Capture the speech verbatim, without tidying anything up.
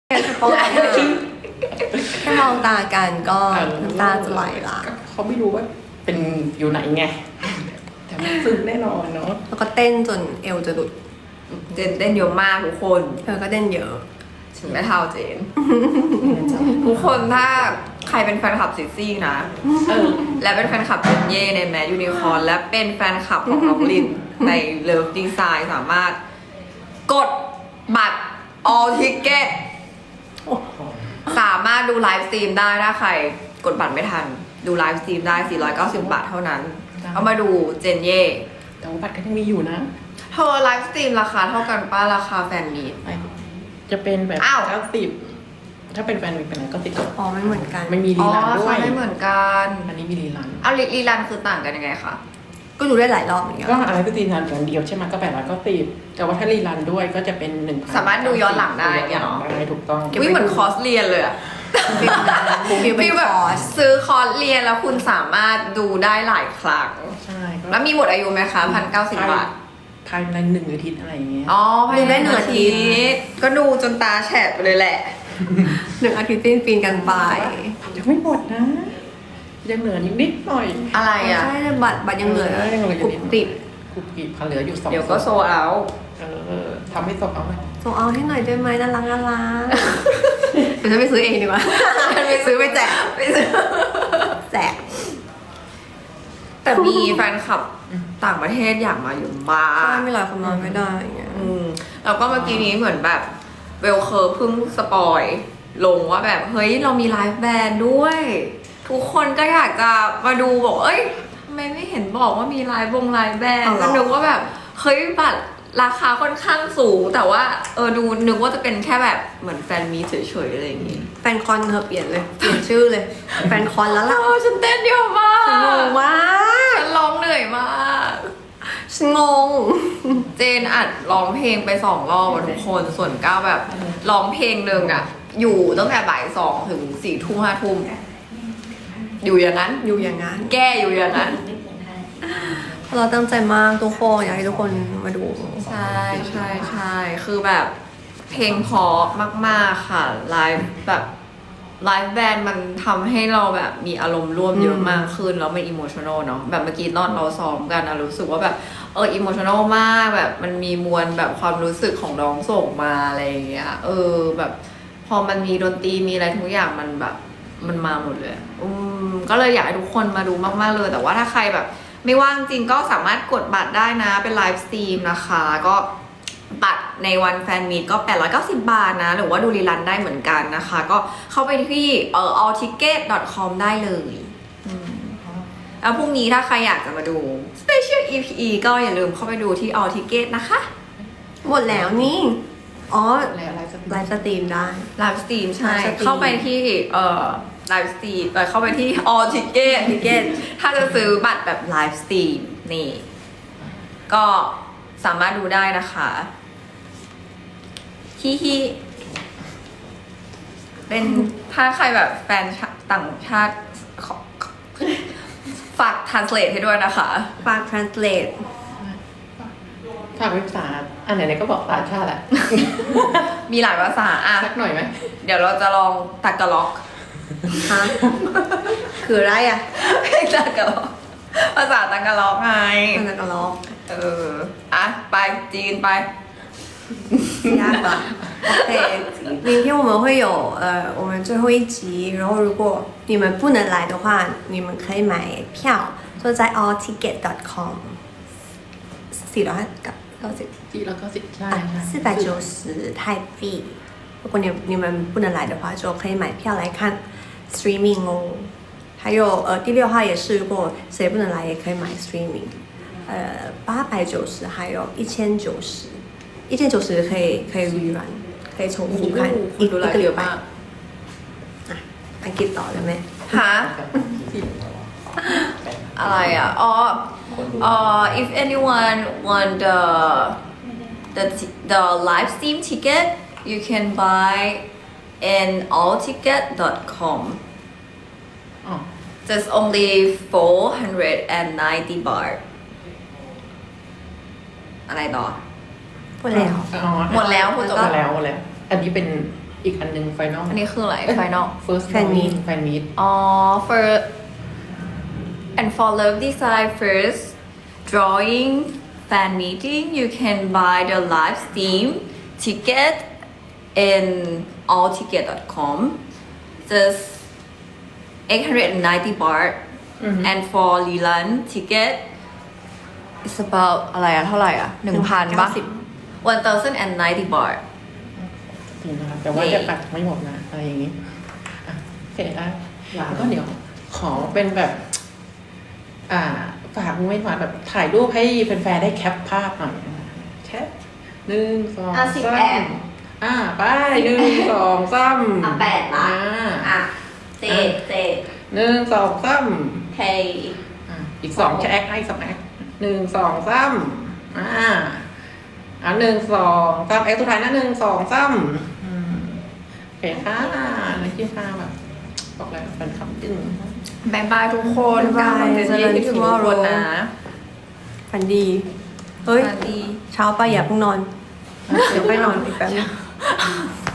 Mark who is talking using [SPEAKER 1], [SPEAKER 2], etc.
[SPEAKER 1] แค่มองตาแค่มองตากันก็น้ำตาจะไหลละ
[SPEAKER 2] เขาไม่รู้ว่าเป็นอยู่ไหนไงแต่มันซึ้งแน่นอนเนาะ
[SPEAKER 1] แล้วก็เต้นจนเอวจะหลุด
[SPEAKER 3] เจนเต้นเยอะมากทุกคน
[SPEAKER 1] เธอก็เต้นเยอะ
[SPEAKER 3] ถึงไม่เท่าเจน ทุกคนถ้าใครเป็นแฟนคลับซิซี่นะและเป็นแฟนคลับเจนเย่ในแมสยูนิคอร์นและเป็นแฟนคลับของน้องลินในเลิฟดีไซน์สามารถกดบัตร all ticket สามารถดูไลฟ์สตรีมได้ถ้าใครกดบัตรไม่ทันดูไลฟ์สตรีมได้สี่ร้อยเก้าสิบบาทเท่านั้นเอามาดูเจนเย่
[SPEAKER 2] แต่ว่าบัตรก็ยังมีอยู่นะ
[SPEAKER 3] เธอไลฟ์สตรีมราคาเท่ากันป้าราคาแฟนมีต
[SPEAKER 2] จะเป็นแบบเก้าสิบถ้าเป็นแฟนมีเป็นก็ติด
[SPEAKER 1] อ๋อไม่เหมือนกัน
[SPEAKER 2] ไม่มีรีลันด้วย
[SPEAKER 3] ไม่เหมือนกัน
[SPEAKER 2] อันนี้มีรีลัน
[SPEAKER 3] เอารีลันคือต่างกันยังไงคะ
[SPEAKER 1] ก็ดูได้หลายรอบเหมือนกัน
[SPEAKER 2] ก็อะไรก็ตีรันอย่างเดียวใช่ไหมก็แปดร้อยเก้าสิบแต่ว่าถ้ารีลันด้วยก็จะเป็นหนึ่ง
[SPEAKER 3] สามารถดูย้อนหลังได้เนาะ
[SPEAKER 2] ได้ถูกต้อง
[SPEAKER 3] วิเหมือนคอร์สเรียนเลยอะฟีลแบบซื้อคอร์สเรียนแล้วคุณสามารถดูได้หลายครั้ง
[SPEAKER 2] ใช่
[SPEAKER 3] แล้วมีหมดอายุไหมคะพันเก้าสิบบาท
[SPEAKER 2] ภายในหนึ่งอาทิตย์อะไรอย่างเงี้ย
[SPEAKER 3] อ๋อภายในหนึ่งอาทิตย์ก็ดูจนตาแฉะไปเลยแหละ
[SPEAKER 1] หนึ่งอาทิตย์ปีนปีนกันไป
[SPEAKER 2] ยังไม่หมดนะยังเหลือนิดหน่อย
[SPEAKER 3] อะไรอ่ะ
[SPEAKER 1] ใช่บัตรบัตรยังเหลือกรุบกริบ
[SPEAKER 2] กรุบกริบเหลืออยู่สอง
[SPEAKER 3] เดี๋ยวก็โซเอา
[SPEAKER 2] เออทำให้โซเอาไหม
[SPEAKER 1] โซเอาให้หน่อยได้ไหมน่ารักน่ารักเดี๋ยวฉันไปซื้อเองดีกว่าไปซื้อไปแจกไปซื้อแจก
[SPEAKER 3] แต่มีแฟนคลับต่างประเทศอยากมาอยู่บ้าน
[SPEAKER 1] ใช่ไม่หลายคนนอนไม่ได้อย่างเงี้ย
[SPEAKER 3] อืมแล้วก็เมื่อกี้นี้เหมือนแบบเวลเคอร์เพิ่งสปอยลงว่าแบบเฮ้ยเรามีไลฟ์แบนด์ด้วยทุกคนก็อยากจะมาดูบอกเอ้ยทำไมไม่เห็นบอกว่ามีไลฟ์วงไลฟ์แบนด์ก็นึกว่าแบบเฮ้ยบัตรราคาค่อนข้างสูงแต่ว่าเออดูนึกว่าจะเป็นแค่แบบเหมือนแฟนมีเฉยๆอะไรอย่างงี้
[SPEAKER 1] แฟนคอนเธอเปลี่ยนเลยเปลี่ยนชื่อเลยแฟนคอนแล้วล่ะ
[SPEAKER 3] ฉันเต้นเยอะมาก
[SPEAKER 1] ฉันงงมาก
[SPEAKER 3] ฉันร้องเหนื่อยมาก
[SPEAKER 1] ฉันงง
[SPEAKER 3] เจนอัดร้องเพลงไปสองรอบทุกคนส่วนก้าวแบบร้องเพลงหนึ่งอะอยู่ตั้งแต่บ่ายสองถึงสี่ทุ่มห้าทุ่มอยู่อย่างนั้น
[SPEAKER 1] อยู่อย่างนั้น
[SPEAKER 3] แก้อยู่อย่างนั้น
[SPEAKER 1] เราตั้งใจมากทุกคนอยากให้ทุกคนมาดู
[SPEAKER 3] ใช่ใช่ใช่คือแบบเพลงเพราะมากๆค่ะไลฟ์แบบไลฟ์แบนด์มันทำให้เราแบบมีอารมณ์ร่วมเยอะมากขึ้นแล้วมันอิโมชันอลเนาะแบบเมื่อกี้ตอนเราซ้อมกันนะรู้สึกว่าแบบเอออิโมชันอลมากแบบมันมีมวลแบบความรู้สึกของน้องส่งมาอะไรอย่างเงี้ยเออแบบพอมันมีดนตรีมีอะไรทุกอย่างมันแบบมันมาหมดเลยอืมก็เลยอยากให้ทุกคนมาดูมากๆเลยแต่ว่าถ้าใครแบบไม่ว่างจริงก็สามารถกดบัตรได้นะเป็นไลฟ์สตรีมนะคะก็บัตรในวันแฟนมีตก็แปดร้อยเก้าสิบบาทนะหรือว่าดูรีลันได้เหมือนกันนะคะก็เข้าไปที่เอ่อ all ticket dot com ได้เลยแล้วพรุ่งนี้ถ้าใครอยากจะมาดู special อี พี ก็อย่าลืมเข้าไปดูที่ all ticket นะคะ
[SPEAKER 1] หมดแล้วนี่อ๋อ
[SPEAKER 2] ไลฟ์
[SPEAKER 1] สตรีมได้
[SPEAKER 3] ไลฟ์สตรีมใช่เข้าไปที่เอ่อไลฟ์สตรีมเข้าไปที่ all ticket ticket ถ้าจะซื้อบัตรแบบไลฟ์สตรีมนี่ก็สามารถดูได้นะคะฮิฮิเป็นถ้าใครแบบแฟนต่างชาติฝาก translate ให้ด้วยนะคะ
[SPEAKER 1] ฝาก translate
[SPEAKER 2] ฝากภาษาอันไหนๆก็บอกภาษาชาติแหละ
[SPEAKER 3] มีหลายภาษาอ่ะ
[SPEAKER 2] สักหน่อยไหม
[SPEAKER 3] เดี๋ยวเราจะลองตักกะล็อก
[SPEAKER 1] ฮะคืออะไรอ่ะ
[SPEAKER 3] ตักกะล็อกภาษาตักกะล็อกไง
[SPEAKER 1] ตักกะล็อก
[SPEAKER 3] เอออ่ะไปจีนไป
[SPEAKER 1] ยาก吧OK明天我们会有呃我们最后一集然后如果你们不能来的话你们可以买票就在 all ticket dot com สี่ร้อยเก้าสิบ
[SPEAKER 2] สี่ร้อยเก้าสิบใช่
[SPEAKER 1] 四百九十泰币如果你你们不能来的话就可以买票来看 streaming 哦还有呃第六号也是如果谁不能来也可以买 streaming呃八百九十还有一千九十一千九十可以可以 rerun 可以重复看一个礼拜啊อังกฤษต่อเลยไหม
[SPEAKER 3] ฮะอะไรอ่ะอ๋อ uh if anyone want the the the live stream ticket you can buy in all ticket dot com just only four hundred ninety baht อะไรต่อ
[SPEAKER 1] หมดแล้ว
[SPEAKER 3] หมดแล้ว
[SPEAKER 2] หมดแล้วหมดแล้วอันนี้เป็นอีกอันหนึ่งไฟนอล
[SPEAKER 3] อันนี้คืออะไร final
[SPEAKER 2] first
[SPEAKER 1] Fan meet
[SPEAKER 2] แฟนมีต
[SPEAKER 3] อ๋อ for and for love design first drawing fan meeting you can buy the live stream ticket in allticket dot com just eight hundred ninety baht and for Lilan ticket it's about อะไรอะเท่าไหร่อะหนึ่งพันปะ one thousand and ninety baht
[SPEAKER 2] จริงนะคะแต่ว่าจะตัดไม่หมดนะอะไรอย่างนี้อ่ะโอเคได้แล้วก็เดี๋ยวขอเป็นแบบ อ่า ฝากไม่ฝากแบบถ่ายรูปให้แฟนๆได้แคปภาพหน่อยแคปหนึ่งสอง
[SPEAKER 3] อ่ะสิบ
[SPEAKER 2] สา
[SPEAKER 3] แอ
[SPEAKER 2] ม
[SPEAKER 3] ป
[SPEAKER 2] อ่าไปหนึ่งสองสาม
[SPEAKER 3] อ่ะแปดละ
[SPEAKER 2] อ่า
[SPEAKER 3] อ่ะเจ็ดเจ็ด
[SPEAKER 2] หนึ่งสองสาม
[SPEAKER 3] เท
[SPEAKER 2] อ่ะอีกสองแช็คให้สองแอคหนึ่งสองสามอ่าอ่ะหนึ่งสองสามแอคสุดท้ายนะหนึ่งสองสามอืมโอเคค่ะนักกีฬาแบบบอกแล้วแฟนคลับจึง
[SPEAKER 3] บายบายทุกคน
[SPEAKER 1] บ๊ายบาย
[SPEAKER 3] เจอกันที่ถึงทุกคนนะ
[SPEAKER 1] ฝันดี เฮ้ย
[SPEAKER 3] สวัสดี
[SPEAKER 1] เช้าไปอย่าเพิ่งนอน เดี๋ยวไปนอนอีกแป๊บนึง